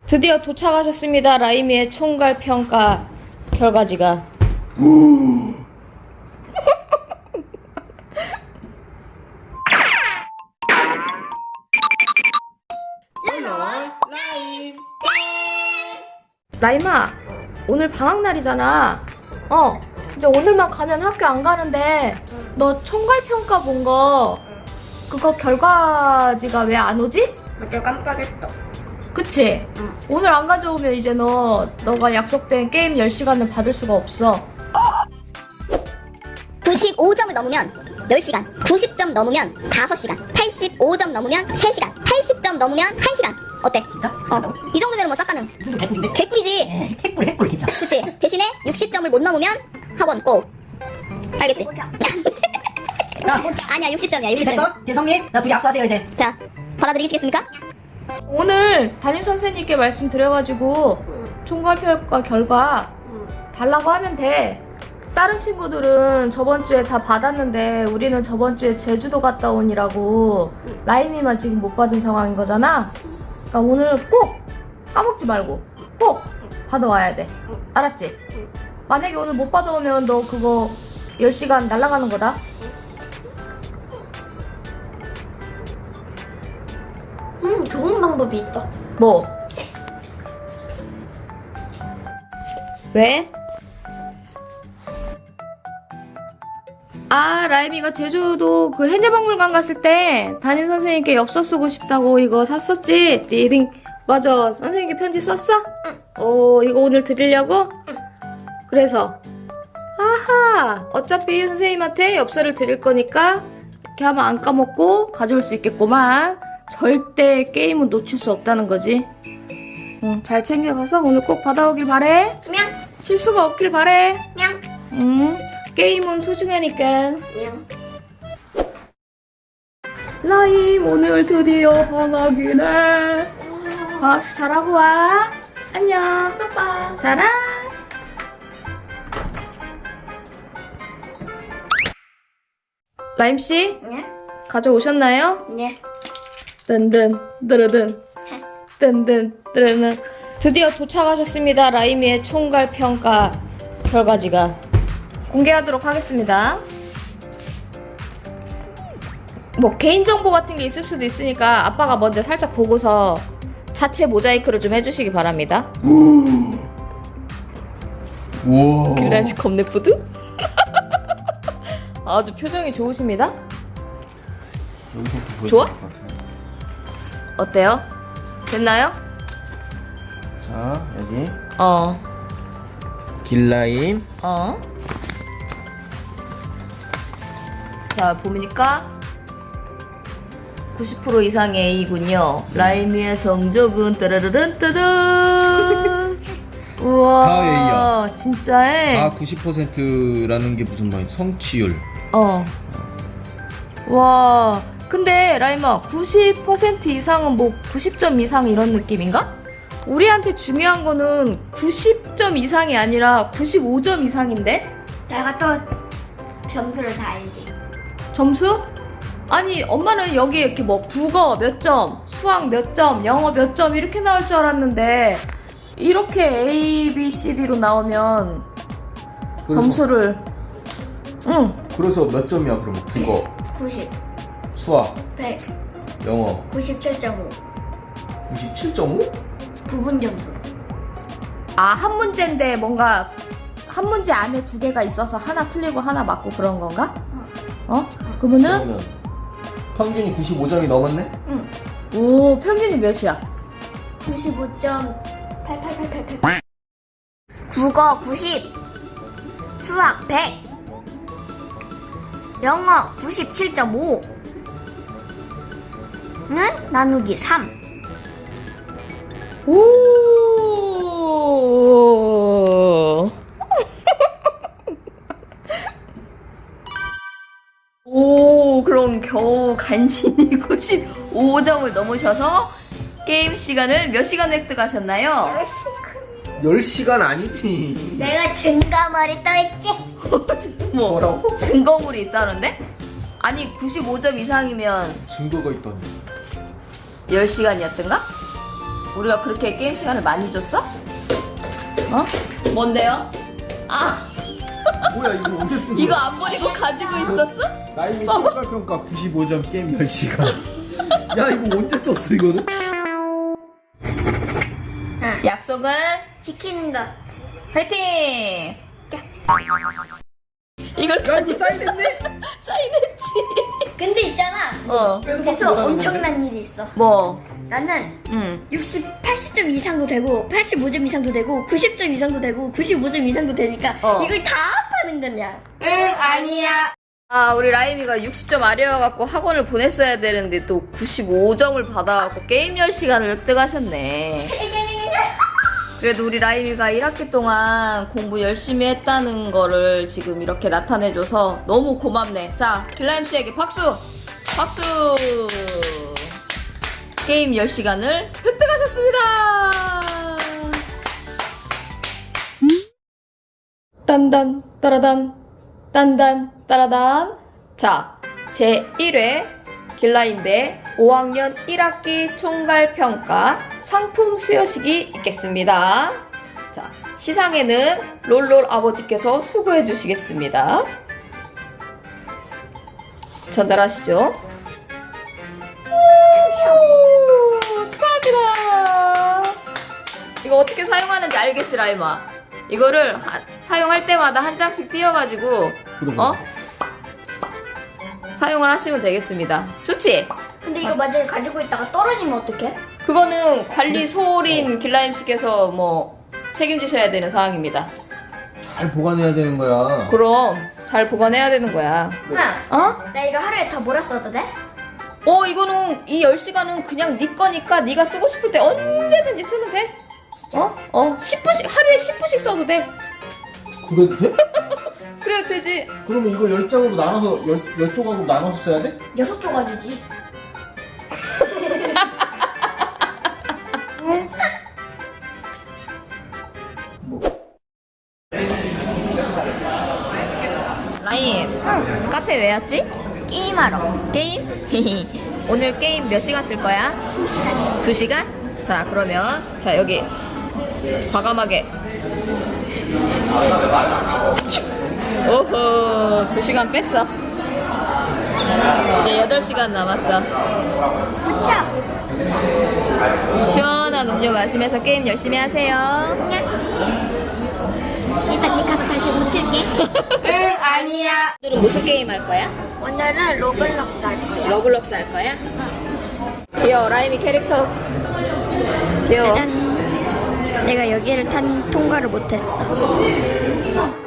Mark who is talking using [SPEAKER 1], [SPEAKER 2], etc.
[SPEAKER 1] 드디어 도착하셨습니다. 라이미의 총괄 평가 결과지가. 라임아, 오늘 방학날이잖아. 이제 오늘만 가면 학교 안 가는데 너 총괄 평가 본 거 그거 결과지가 왜 안 오지?
[SPEAKER 2] 맞아, 깜빡했어.
[SPEAKER 1] 그치?
[SPEAKER 2] 응.
[SPEAKER 1] 오늘 안 가져오면 이제 너가 약속된 게임 10시간은 받을 수가 없어.
[SPEAKER 3] 95점을 넘으면 10시간, 90점 넘으면 5시간, 85점 넘으면 3시간, 80점 넘으면 1시간. 어때?
[SPEAKER 2] 진짜?
[SPEAKER 3] 이 정도면 뭐 싹가능.
[SPEAKER 2] 이거 개꿀인데?
[SPEAKER 3] 개꿀이지.
[SPEAKER 2] 핵꿀 진짜.
[SPEAKER 3] 그치? 대신에 60점을 못 넘으면 학원 꼭. 알겠지? 아니야, 60점이야. 60점.
[SPEAKER 2] 됐어? 대성님, 나 둘이 악수하세요 이제.
[SPEAKER 3] 자, 받아들이시겠습니까?
[SPEAKER 1] 오늘 담임 선생님께 말씀드려가지고 총괄평가 결과 달라고 하면 돼. 다른 친구들은 저번 주에 다 받았는데 우리는 저번 주에 제주도 갔다 오니라고 라임이만 지금 못 받은 상황인 거잖아. 그러니까 오늘 꼭 까먹지 말고 꼭 받아와야 돼. 알았지? 만약에 오늘 못 받아오면 너 그거 10시간 날아가는 거다.
[SPEAKER 3] 좋은 방법이 있다.
[SPEAKER 1] 뭐? 왜? 아, 라임이가 제주도 그 해녀박물관 갔을 때 담임 선생님께 엽서 쓰고 싶다고 이거 샀었지? 리딩 맞아. 선생님께 편지 썼어? 응. 이거 오늘 드리려고? 응. 그래서 아하, 어차피 선생님한테 엽서를 드릴 거니까 이렇게 하면 안 까먹고 가져올 수 있겠구만. 절대 게임은 놓칠 수 없다는 거지. 응, 잘 챙겨가서 오늘 꼭 받아오길 바래.
[SPEAKER 3] 냥,
[SPEAKER 1] 실수가 없길 바래.
[SPEAKER 3] 냥,
[SPEAKER 1] 응, 게임은 소중하니까.
[SPEAKER 3] 냥.
[SPEAKER 1] 라임, 오늘 드디어 방학이네. 방학식 잘하고 와. 안녕.
[SPEAKER 3] 빠빠.
[SPEAKER 1] 사랑. 라임씨,
[SPEAKER 3] 네?
[SPEAKER 1] 가져오셨나요?
[SPEAKER 3] 네.
[SPEAKER 1] 든든 드르든 든든 드르는 드디어 도착하셨습니다. 라이미의 총괄 평가 결과지가 공개하도록 하겠습니다. 뭐 개인정보 같은 게 있을 수도 있으니까 아빠가 먼저 살짝 보고서 자체 모자이크를 좀 해주시기 바랍니다.
[SPEAKER 4] 우와.
[SPEAKER 1] 길람씨 겁내푸드? 아주 표정이 좋으십니다.
[SPEAKER 4] 여기서부터 보여줄
[SPEAKER 1] 좋아?
[SPEAKER 4] 것 같아요.
[SPEAKER 1] 어때요? 됐나요?
[SPEAKER 4] 자, 여기
[SPEAKER 1] 어.
[SPEAKER 4] 길라임.
[SPEAKER 1] 자, 보니까 90% 이상의 A군요. 라임이의 성적은 따라르른 따든. 우와.
[SPEAKER 4] 다 A야.
[SPEAKER 1] 진짜에?
[SPEAKER 4] 다 90%라는 게 무슨 말이야? 성취율.
[SPEAKER 1] 와. 근데 라임아, 90% 이상은 뭐 90점 이상 이런 느낌인가? 우리한테 중요한 거는 90점 이상이 아니라 95점 이상인데?
[SPEAKER 3] 내가 또 점수를 다 알지.
[SPEAKER 1] 점수? 아니, 엄마는 여기 이렇게 뭐 국어 몇 점, 수학 몇 점, 영어 몇 점 이렇게 나올 줄 알았는데 이렇게 A, B, C, D로 나오면 점수를
[SPEAKER 4] 그래서 몇 점이야 그러면? 국어,
[SPEAKER 3] 90,
[SPEAKER 4] 수학,
[SPEAKER 3] 100,
[SPEAKER 4] 영어
[SPEAKER 3] 97.5.
[SPEAKER 4] 97.5?
[SPEAKER 3] 부분 점수.
[SPEAKER 1] 한 문제인데 뭔가 한 문제 안에 두 개가 있어서 하나 틀리고 하나 맞고 그런 건가? 그러면은
[SPEAKER 4] 그러면 평균이 95점이 넘었네?
[SPEAKER 3] 응.
[SPEAKER 1] 오, 평균이 몇이야?
[SPEAKER 3] 95.88888. 국어 90, 수학 100, 영어 97.5는 나누기 3.
[SPEAKER 1] 오. 오, 그럼 겨우 간신히 95점을 넘으셔서 게임 시간을 몇 시간 획득하셨나요?
[SPEAKER 4] 10시간 아니지.
[SPEAKER 3] 내가 증가머리 떠있지?
[SPEAKER 4] 뭐라고?
[SPEAKER 1] 증거물이 있다는데? 아니, 95점 이상이면
[SPEAKER 4] 증거가 있다니.
[SPEAKER 1] 10시간이었던가? 우리가 그렇게 게임 시간을 많이 줬어? 어? 뭔데요? 아,
[SPEAKER 4] 뭐야 이거 언제 쓴
[SPEAKER 1] 이거
[SPEAKER 4] 거야?
[SPEAKER 1] 안 버리고 가지고 있었어?
[SPEAKER 4] 라임이 총괄평가 95점 게임 10시간. 야 이거 언제 썼어 이거는?
[SPEAKER 1] 약속은
[SPEAKER 3] 지키는 거.
[SPEAKER 1] 화이팅! 이걸
[SPEAKER 4] 야 이거 사인했네?
[SPEAKER 1] 사인했지.
[SPEAKER 3] 근데 있잖아.
[SPEAKER 1] 어.
[SPEAKER 4] 빼도
[SPEAKER 3] 그래서
[SPEAKER 4] 박도 못하는
[SPEAKER 3] 엄청난 일이 있어.
[SPEAKER 1] 뭐?
[SPEAKER 3] 나는
[SPEAKER 1] 응.
[SPEAKER 3] 80점 이상도 되고 85점 이상도 되고 90점 이상도 되고 95점 이상도 되니까 이걸 다 파는 거냐?
[SPEAKER 1] 응, 아니야. 아, 우리 라임이가 60점 아래여갖고 학원을 보냈어야 되는데 또 95점을 받아갖고 게임 10시간을 획득하셨네. 그래도 우리 라임이가 1학기 동안 공부 열심히 했다는 거를 지금 이렇게 나타내줘서 너무 고맙네. 자, 길라임 씨에게 박수! 박수! 게임 10시간을 획득하셨습니다! 딴단, 따라단, 딴단, 따라단. 자, 제1회 길라임배 5학년 1학기 총괄평가 상품 수여식이 있겠습니다. 자, 시상에는 롤롤 아버지께서 수고해 주시겠습니다. 전달하시죠. 오, 축하합니다. 이거 어떻게 사용하는지 알겠지, 라임아? 이거를 사용할 때마다 한 장씩 띄어가지고 사용을 하시면 되겠습니다. 좋지?
[SPEAKER 3] 근데 이거 만약에 가지고 있다가 떨어지면 어떡해?
[SPEAKER 1] 그거는 관리 소홀인 길라임 씨께서 뭐 책임지셔야 되는 사항입니다.
[SPEAKER 4] 잘 보관해야 되는 거야.
[SPEAKER 1] 그럼 잘 보관해야 되는 거야.
[SPEAKER 3] 엄마,
[SPEAKER 1] 어?
[SPEAKER 3] 나 이거 하루에 다 몰아 써도 돼?
[SPEAKER 1] 이거는 이 10시간은 그냥 네 거니까 네가 쓰고 싶을 때 언제든지 쓰면 돼. 10분씩 하루에 10분씩 써도 돼.
[SPEAKER 4] 그래도 돼?
[SPEAKER 1] 그래도 되지.
[SPEAKER 4] 그러면 이거 10장으로 나눠서 10조각으로 나눠서 써야 돼?
[SPEAKER 3] 6조각이지.
[SPEAKER 1] 라임, 카페 왜 왔지?
[SPEAKER 3] 게임하러.
[SPEAKER 1] 게임? 오늘 게임 몇 시간 쓸 거야?
[SPEAKER 3] 2시간.
[SPEAKER 1] 2시간? 자, 그러면 자 여기 과감하게 오호 2시간 뺐어. 이제 8시간 남았어.
[SPEAKER 3] 그쵸?
[SPEAKER 1] 시원한 음료 마시면서 게임 열심히 하세요.
[SPEAKER 3] 이따 집 가서 다시 고칠게.
[SPEAKER 1] 응, 아니야. 오늘은 무슨 게임 할 거야?
[SPEAKER 3] 오늘은 로블록스 할 거야.
[SPEAKER 1] 러블록스 할 거야? 귀여워. 라임이 캐릭터 귀여워.
[SPEAKER 3] 짜잔. 내가 여기를 통과를 못했어.